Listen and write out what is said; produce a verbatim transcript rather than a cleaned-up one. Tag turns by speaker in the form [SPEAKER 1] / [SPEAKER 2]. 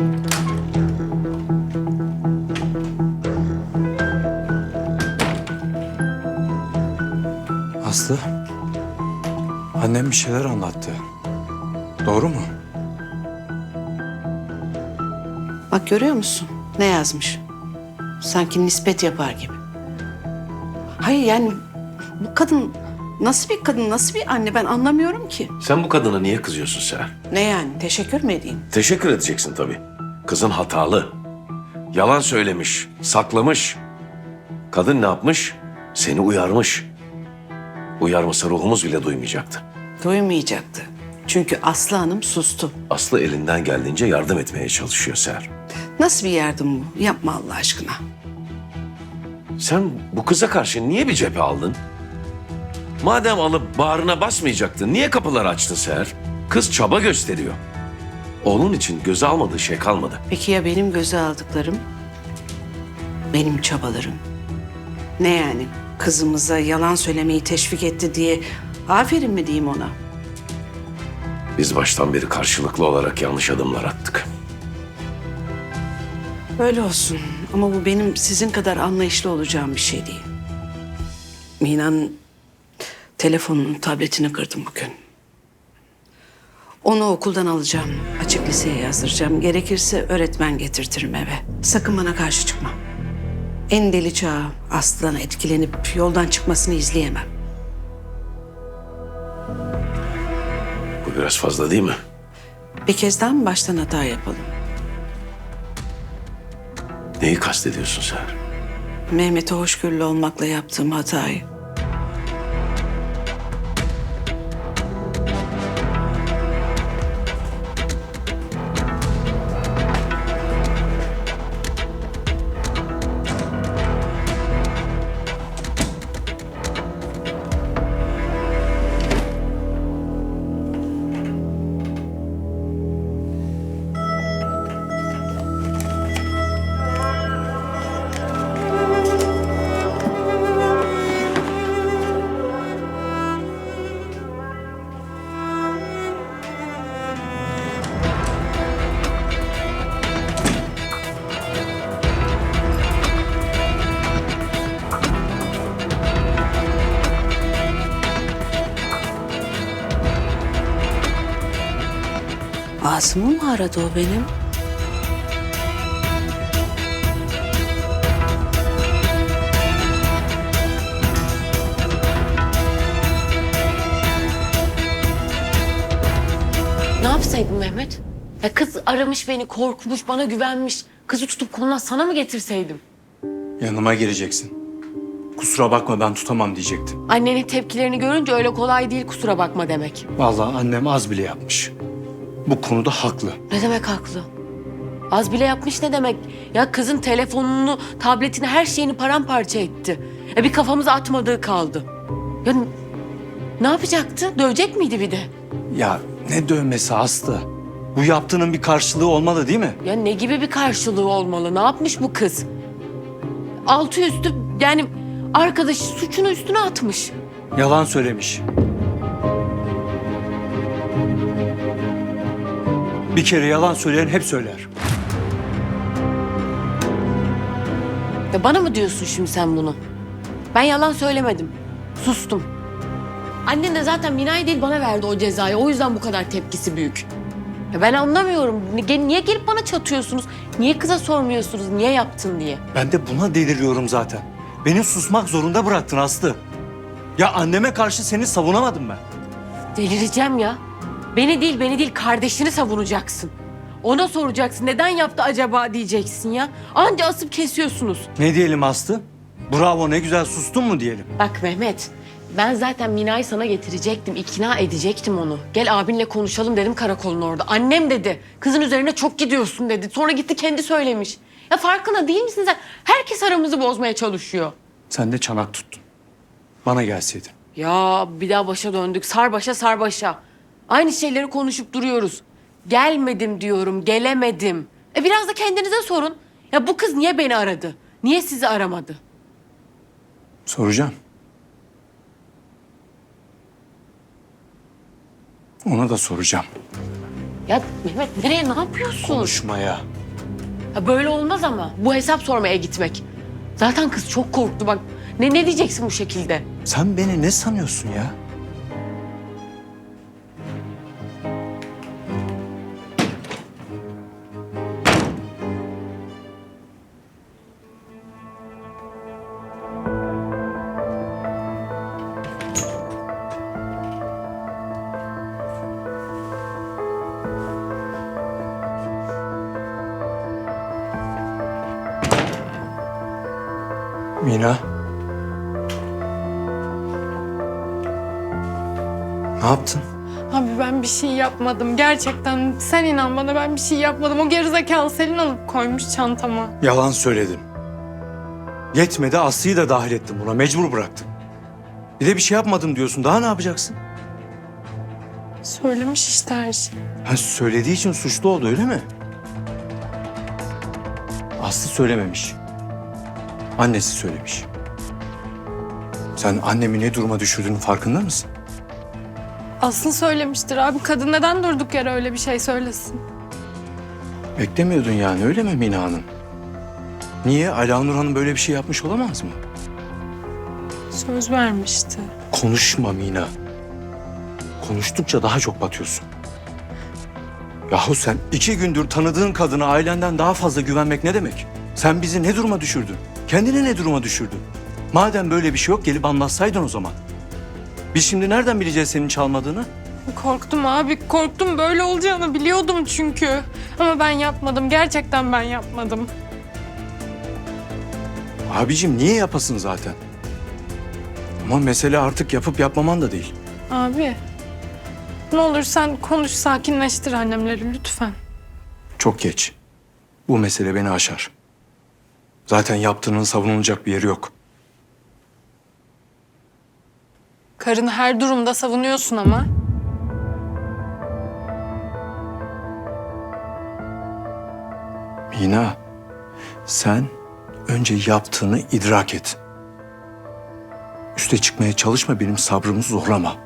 [SPEAKER 1] Aslı, annem bir şeyler anlattı. Doğru mu?
[SPEAKER 2] Bak görüyor musun? Ne yazmış? Sanki nispet yapar gibi. Hayır yani bu kadın nasıl bir kadın, nasıl bir anne ben anlamıyorum ki.
[SPEAKER 3] Sen bu kadına niye kızıyorsun Seher?
[SPEAKER 2] Ne yani? Teşekkür mü edeyim?
[SPEAKER 3] Teşekkür edeceksin tabii. Kızın hatalı. Yalan söylemiş, saklamış. Kadın ne yapmış? Seni uyarmış. Uyarmasa ruhumuz bile duymayacaktı.
[SPEAKER 2] Duymayacaktı. Çünkü Aslı Hanım sustu.
[SPEAKER 3] Aslı elinden geldiğince yardım etmeye çalışıyor Seher.
[SPEAKER 2] Nasıl bir yardım bu? Yapma Allah aşkına.
[SPEAKER 3] Sen bu kıza karşı niye bir cephe aldın? Madem alıp bağrına basmayacaktın, niye kapıları açtın Seher? Kız çaba gösteriyor. Oğlun için göze almadığı şey kalmadı.
[SPEAKER 2] Peki ya benim göze aldıklarım? Benim çabalarım. Ne yani? Kızımıza yalan söylemeyi teşvik etti diye aferin mi diyeyim ona?
[SPEAKER 3] Biz baştan beri karşılıklı olarak yanlış adımlar attık.
[SPEAKER 2] Öyle olsun ama bu benim sizin kadar anlayışlı olacağım bir şey değil. Mina'nın telefonunu, tabletini kırdım bugün. Onu okuldan alacağım, açık liseye yazdıracağım. Gerekirse öğretmen getirtirim eve. Sakın bana karşı çıkma. En deli çağı Aslı'dan etkilenip yoldan çıkmasını izleyemem.
[SPEAKER 3] Bu biraz fazla değil mi?
[SPEAKER 2] Bir kez daha mı baştan hata yapalım?
[SPEAKER 3] Neyi kastediyorsun Seher?
[SPEAKER 2] Mehmet'e hoşgörülü olmakla yaptığım hatayı. Asım'ı mı aradı o benim?
[SPEAKER 4] Ne yapsaydım Mehmet? Ya kız aramış beni, korkmuş, bana güvenmiş. Kızı tutup koluna sana mı getirseydim?
[SPEAKER 1] Yanıma geleceksin. Kusura bakma ben tutamam diyecektim.
[SPEAKER 4] Annenin tepkilerini görünce öyle kolay değil kusura bakma demek.
[SPEAKER 1] Vallahi annem az bile yapmış. Bu konuda haklı.
[SPEAKER 4] Ne demek haklı? Az bile yapmış ne demek? Ya kızın telefonunu, tabletini, her şeyini paramparça etti. Ya bir kafamıza atmadığı kaldı. Ya n- ne yapacaktı? Dövecek miydi bir de?
[SPEAKER 1] Ya ne dövmesi Aslı? Bu yaptığının bir karşılığı olmalı değil mi?
[SPEAKER 4] Ya ne gibi bir karşılığı olmalı? Ne yapmış bu kız? Altı üstü yani arkadaşı suçunu üstüne atmış.
[SPEAKER 1] Yalan söylemiş. Bir kere yalan söyleyen hep söyler.
[SPEAKER 4] Ya bana mı diyorsun şimdi sen bunu? Ben yalan söylemedim. Sustum. Annen de zaten Mina'ya değil bana verdi o cezayı. O yüzden bu kadar tepkisi büyük. Ya ben anlamıyorum. Ni- Niye gelip bana çatıyorsunuz? Niye kıza sormuyorsunuz? Niye yaptın diye?
[SPEAKER 1] Ben de buna deliriyorum zaten. Beni susmak zorunda bıraktın Aslı. Ya anneme karşı seni savunamadım ben.
[SPEAKER 4] Delireceğim ya. Beni değil, beni değil kardeşini savunacaksın. Ona soracaksın. Neden yaptı acaba diyeceksin ya. Anca asıp kesiyorsunuz.
[SPEAKER 1] Ne diyelim Aslı? Bravo ne güzel sustun mu diyelim?
[SPEAKER 4] Bak Mehmet, ben zaten Mina'yı sana getirecektim, ikna edecektim onu. Gel abinle konuşalım dedim karakolun orada. Annem dedi, kızın üzerine çok gidiyorsun dedi. Sonra gitti kendi söylemiş. Ya farkında değil misin sen? Herkes aramızı bozmaya çalışıyor.
[SPEAKER 1] Sen de çanak tuttun. Bana gelseydin.
[SPEAKER 4] Ya bir daha başa döndük, sar başa sar başa. Aynı şeyleri konuşup duruyoruz. Gelmedim diyorum, gelemedim. E biraz da kendinize sorun. Ya bu kız niye beni aradı? Niye sizi aramadı?
[SPEAKER 1] Soracağım. Ona da soracağım.
[SPEAKER 4] Ya Mehmet nereye ne yapıyorsun?
[SPEAKER 1] Konuşmaya.
[SPEAKER 4] Ya böyle olmaz ama. Bu hesap sormaya gitmek. Zaten kız çok korktu bak. Ne ne diyeceksin bu şekilde?
[SPEAKER 1] Sen beni ne sanıyorsun ya? Mina. Ne yaptın?
[SPEAKER 5] Abi ben bir şey yapmadım. Gerçekten sen inan bana, ben bir şey yapmadım. O gerizekalı Selin alıp koymuş çantama.
[SPEAKER 1] Yalan söyledin. Yetmedi, Aslı'yı da dahil ettim buna. Mecbur bıraktım. Bir de bir şey yapmadım diyorsun. Daha ne yapacaksın?
[SPEAKER 5] Söylemiş işte her şeyi.
[SPEAKER 1] Ha, söylediği için suçlu oldu öyle mi? Aslı söylememiş. Annesi söylemiş. Sen annemi ne duruma düşürdüğünün farkında mısın?
[SPEAKER 5] Aslı söylemiştir abi. Kadın neden durduk yere öyle bir şey söylesin?
[SPEAKER 1] Beklemiyordun yani öyle mi Mina Hanım? Niye? Alanur Hanım böyle bir şey yapmış olamaz mı?
[SPEAKER 5] Söz vermişti.
[SPEAKER 1] Konuşma Mina. Konuştukça daha çok batıyorsun. Yahu sen iki gündür tanıdığın kadına ailenden daha fazla güvenmek ne demek? Sen bizi ne duruma düşürdün? Kendini ne duruma düşürdün? Madem böyle bir şey yok gelip anlatsaydın o zaman. Biz şimdi nereden bileceğiz senin çalmadığını?
[SPEAKER 5] Korktum abi, korktum. Böyle olacağını biliyordum çünkü. Ama ben yapmadım. Gerçekten ben yapmadım.
[SPEAKER 1] Abicim niye yapasın zaten? Ama mesele artık yapıp yapmaman da değil.
[SPEAKER 5] Abi, ne olur sen konuş, sakinleştir annemleri lütfen.
[SPEAKER 1] Çok geç. Bu mesele beni aşar. Zaten yaptığının savunulacak bir yeri yok.
[SPEAKER 5] Karını her durumda savunuyorsun ama.
[SPEAKER 1] Mina, sen önce yaptığını idrak et. Üste çıkmaya çalışma, benim sabrımı zorlama.